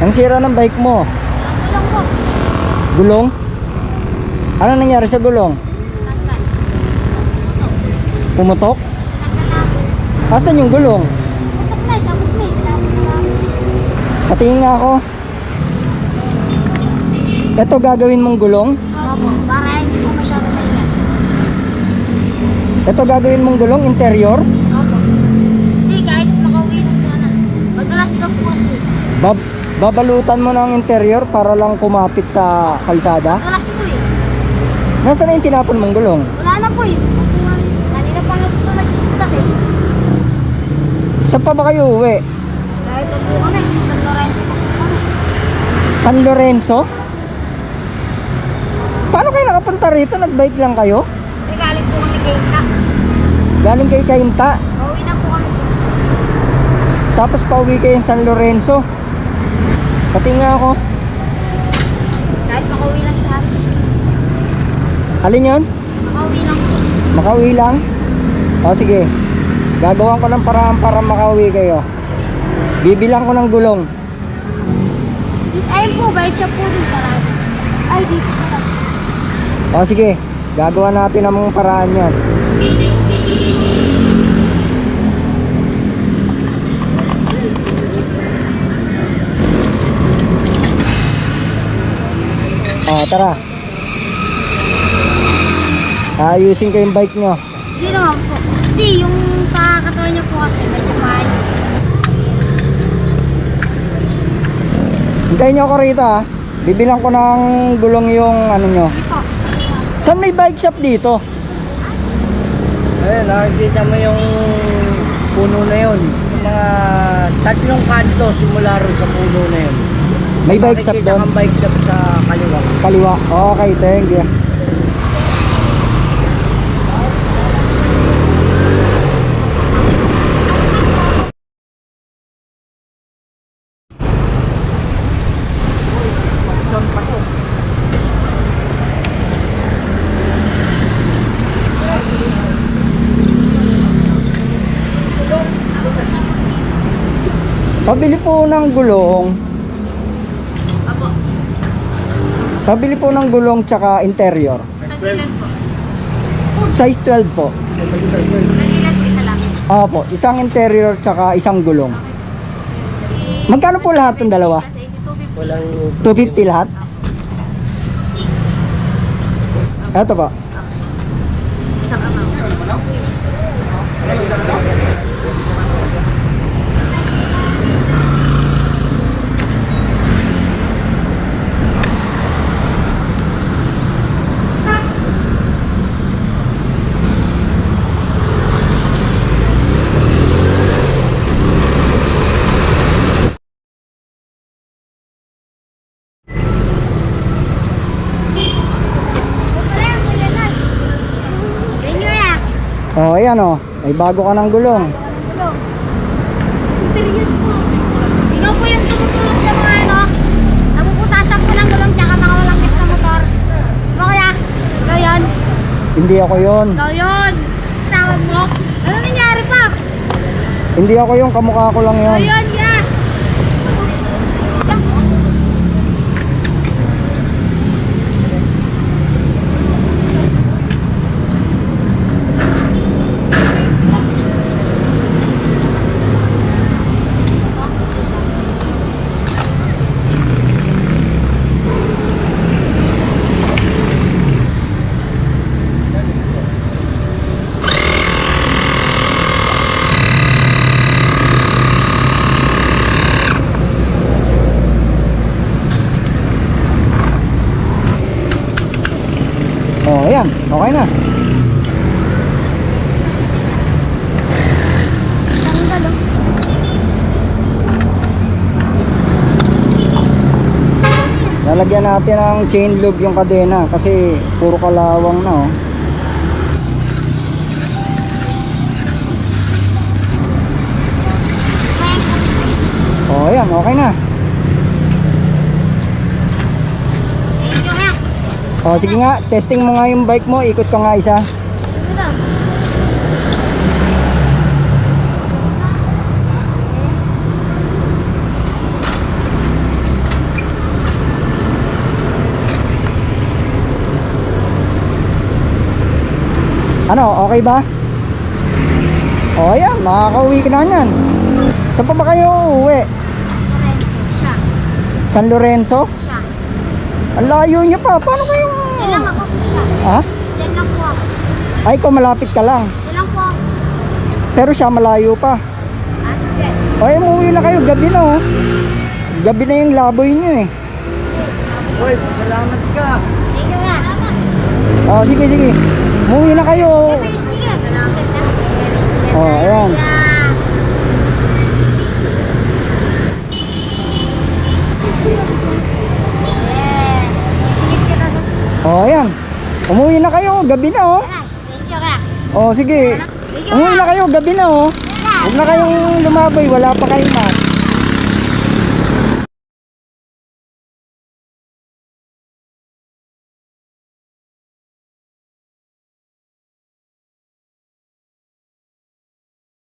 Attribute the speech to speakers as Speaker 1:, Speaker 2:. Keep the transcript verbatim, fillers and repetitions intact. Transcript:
Speaker 1: Ang sira ng bike mo?
Speaker 2: Gulong po.
Speaker 1: Gulong? Ano nangyari sa gulong?
Speaker 2: Tanggal.
Speaker 1: Pumutok?
Speaker 2: Tanggal na po.
Speaker 1: Asan yung gulong?
Speaker 2: Putok na, sabog na eh. Pinapot na namin.
Speaker 1: Patingin nga ako. Ito gagawin mong gulong?
Speaker 2: Opo, para hindi po masyado maingat.
Speaker 1: Ito gagawin mong gulong, interior?
Speaker 2: Opo. Hindi, kahit makauwi lang sana. Madulas daw po kasi.
Speaker 1: Bab babalutan mo ng interior para lang kumapit sa kalsada?
Speaker 2: Madulas po eh.
Speaker 1: Nasaan na yung tinapon mong gulong?
Speaker 2: Wala na po eh. Kanina pa nga po nagsisak eh.
Speaker 1: Saan pa ba kayo uwi?
Speaker 2: Dahil po po kami, San Lorenzo po po kami.
Speaker 1: San Lorenzo? Paano kayo nakapunta rito? Nagbike lang kayo?
Speaker 2: Regaling po kami kay Ina.
Speaker 1: Galing kay Kainta.
Speaker 2: Pauwi na po kami.
Speaker 1: Tapos pauwi kayo San Lorenzo. Pati nga ako.
Speaker 2: Kahit makauwi lang sa amin.
Speaker 1: Alin yun?
Speaker 2: Makauwi lang po.
Speaker 1: Makauwi lang? O sige. Gagawan ko ng paraan para makauwi kayo. Bibilang ko ng gulong.
Speaker 2: Ayun po, bike shop po dun sa radyo. Ay, dito po lang.
Speaker 1: O sige. Gagawa natin ang mga paraan yan. O tara. Ayusin ko yung bike nyo.
Speaker 2: Hindi naman po. Hindi, yung sa katawan niya po kasi medyo mahal.
Speaker 1: Hintayin nyo ako rito ha. Bibilang ko ng gulong yung ano nyo.
Speaker 2: Hindi po.
Speaker 1: Saan may bike shop dito?
Speaker 3: Ayun, nakikita mo yung puno na yun. Yung mga tatlong kanto simula ron sa puno na yun.
Speaker 1: May bike shop
Speaker 3: Makikita
Speaker 1: doon?
Speaker 3: kang bike shop sa kaliwa.
Speaker 1: Kaliwa. Okay, thank you. Pabili po ng gulong.
Speaker 2: Apo.
Speaker 1: Pabili po ng gulong tsaka interior.
Speaker 2: Tagilan po.
Speaker 1: Size twelve po.
Speaker 2: Tagilan po isa lang.
Speaker 1: Opo, isang interior tsaka isang gulong. Magkano po lahat ng dalawa?
Speaker 2: Kasi two fifty.
Speaker 3: Walang
Speaker 1: two fifty lahat? Ito po.
Speaker 2: Isang amount.
Speaker 1: Oh, ayan oh. May bago ka ng gulong.
Speaker 2: Period po. Ikaw po yung tumutulong sa mga ano, napuputasan po ng gulong tsaka mga walang gas na motor. Diba kaya? Ikaw yun?
Speaker 1: Hindi ako yon.
Speaker 2: Ikaw yun? Tawag mo? Ano nangyari pa?
Speaker 1: Hindi ako yung kamukha ko lang
Speaker 2: Ikaw
Speaker 1: yon.
Speaker 2: yun, ya!
Speaker 1: Oh, ayan. Okay na.
Speaker 2: Tanggal oh.
Speaker 1: Lalagyan natin ng chain lube yung kadena kasi puro kalawang na oh. Oh, ayan. Okay na.
Speaker 2: Thank you, ya!
Speaker 1: Oh, sige nga. Testing mo nga yung bike mo. Ikot ka nga isa.
Speaker 2: Ito daw.
Speaker 1: Ano, okay ba? O, ayan, makakauwi ka na yan. Saan pa ba kayo uuwi?
Speaker 2: Lorenzo, siya.
Speaker 1: San Lorenzo?
Speaker 2: Siya.
Speaker 1: Ang layo niya pa. Paano kayo?
Speaker 2: Yan lang ako po siya.
Speaker 1: Ha?
Speaker 2: Yan lang po ako.
Speaker 1: Ay, ikaw malapit ka lang.
Speaker 2: Yan lang po ako.
Speaker 1: Pero siya malayo pa.
Speaker 2: Ah, hindi.
Speaker 1: Ay, umuwi na kayo. Gabi na oh. Gabi na yung laboy niyo eh.
Speaker 3: Uy, salamat ka.
Speaker 2: Thank you na.
Speaker 1: Oh, sige, sige. Umuwi na kayo.
Speaker 2: Sige, sige. Salamat na.
Speaker 1: Oh, ayan. Oh, ayan. Umuwi na kayo. Gabi na oh.
Speaker 2: Thank you ka.
Speaker 1: Oh, sige. Umuwi na kayo. Gabi na oh. Huwag na kayong lumaboy. Wala pa kayong mas.